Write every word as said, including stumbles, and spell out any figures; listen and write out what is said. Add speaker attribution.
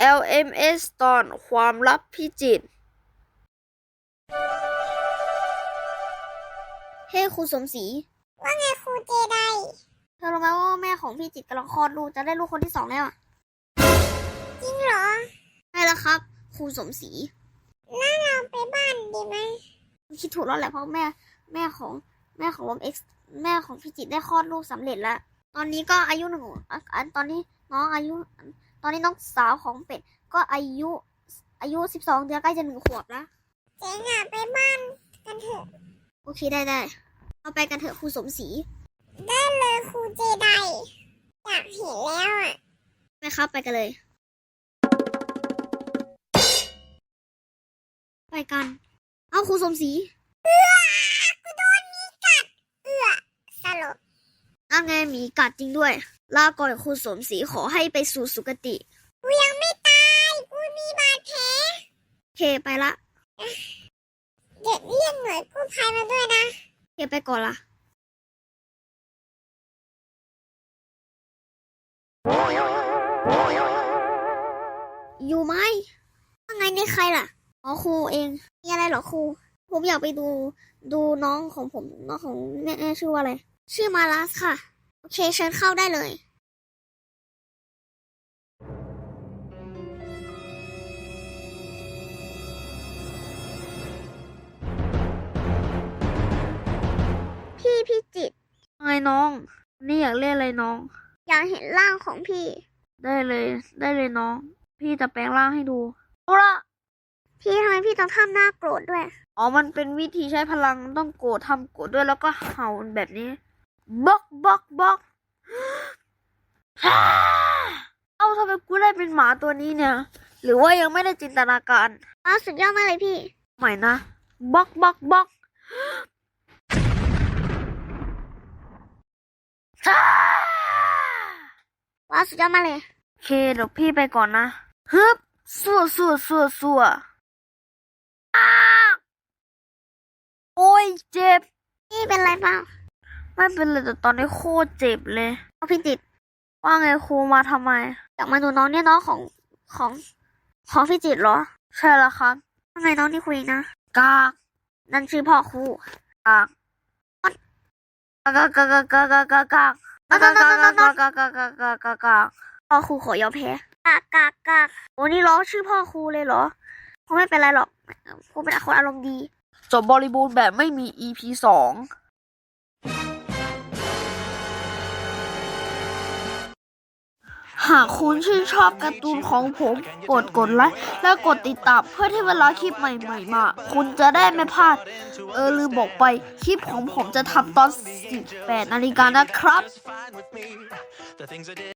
Speaker 1: แอล เอ็ม เอส ตอนความลับพิจิตรเฮ้ครูสมศรี
Speaker 2: ว่าไงครูเจได
Speaker 1: เธอรู้ไหมว่าแม่ของพี่จิตรกำลังคลอดลูกจะได้ลูกคนที่สองแล้วอ่ะ
Speaker 2: จริงเหรอ
Speaker 1: ใช่แล้วครับครูสมศรี
Speaker 2: แล้วเราไปบ้านดีไหม
Speaker 1: คิดถูกแล้วแหละเพราะแม่แม่ของแม่ของลมเอ็กซ์แม่ของพี่จิตรได้คลอดลูกสำเร็จแล้วตอนนี้ก็อายุหนึ่งอันตอนนี้น้องอายุตอนนี้น้องสาวของเป็ดก็อายุอายุสิบสองเดือนใกล้จะหนึ่งขวบแล้ว
Speaker 2: เจ๋งอ่ะไปบ้านกันเถอะ
Speaker 1: โอเคได้ได้เราไปกันเถอะครูสมศรี
Speaker 2: ได้เลยครูเจไดอยากเห็นแล้วอ่ะ
Speaker 1: ไปครับไปกันเลยไปกันเอาครูสมศรี
Speaker 2: เอือกูโดนมีกัดเอือสลบ
Speaker 1: นั่นไงหมีกัดจริงด้วยลาก่อนครูสมศรีขอให้ไปสู่สุคติ
Speaker 2: กูยังไม่ตายกูมีบาดแผล
Speaker 1: โอเคไปละ
Speaker 2: เดี๋ยวเรียกหน่วยกู้ภัยมาด้วยนะ
Speaker 1: โอเคไปก่อนละอยู่ไหมว่าไงนี่ใครล่ะอ๋อครูเองมีอะไรเหรอครูผมอยากไปดูดูน้องของผมน้องของแม่ชื่อว่าอะไรชื่อมาลัสค่ะโอเคเชิญเข้าได้เลย
Speaker 2: พี่พี่จิต
Speaker 1: ไงน้องนี่อยากเล่นอะไรน้อง
Speaker 2: อยากเห็นร่างของพี่
Speaker 1: ได้เลยได้เลยน้องพี่จะแปลงร่างให้ดูเอาละ
Speaker 2: พี่ทำไมพี่ต้องทำหน้าโกรธด้วย
Speaker 1: อ๋อมันเป็นวิธีใช้พลังต้องโกรธทำโกรธด้วยแล้วก็เห่าแบบนี้บล็อกบล็อกบล็อกเอ้าทำไมกูได้เป็นหมาตัวนี้เนี่ยหรือว่ายังไม่ได้จินตนาการ
Speaker 2: อ้าวสุดยอดมากเลยพี่
Speaker 1: ใหม่นะบล็อกบล็อกบล็อก
Speaker 2: ว้าวสุดยอดมากเลย
Speaker 1: โอเคเดี๋ยวพี่ไปก่อนนะฮึบสัวสัวสัวสัวโอ้ยเจ็บ
Speaker 2: พี่เป็นไรเปล่า
Speaker 1: ไม่เป็นไรแต่ตอนนี้โคตรเจ็บเลย
Speaker 2: พี่จิต
Speaker 1: ว่าไงครูมาทำไม
Speaker 2: อยากมาดูน้องเนี่ยน้องของของของพี่จิตเหรอ
Speaker 1: ใช่แล้วครับ
Speaker 2: ว่าไงน้องนี่คุยนะ
Speaker 1: กาก
Speaker 2: นั่นชื่อพ่อครู
Speaker 1: กากกากกากกากกากกากกากกากกากกากกากกากกากกากก
Speaker 2: พ่อครูขอยอมแพ้กากกากกากโอ้นี่ร้องชื่อพ่อครูเลยเหรอครูไม่เป็นไรหรอกครูเป็นคนอารมณ์ดี
Speaker 1: จบบริบูรณ์แบบไม่มี อี พี สองหากคุณชื่นชอบการ์ตูนของผมกดกดไลค์และกดติดตามเพื่อที่เวลาคลิปใหม่ๆมาคุณจะได้ไม่พลาดเออลืมบอกไปคลิปของผมจะทำตอนสิบแปดนาฬิกานะครับ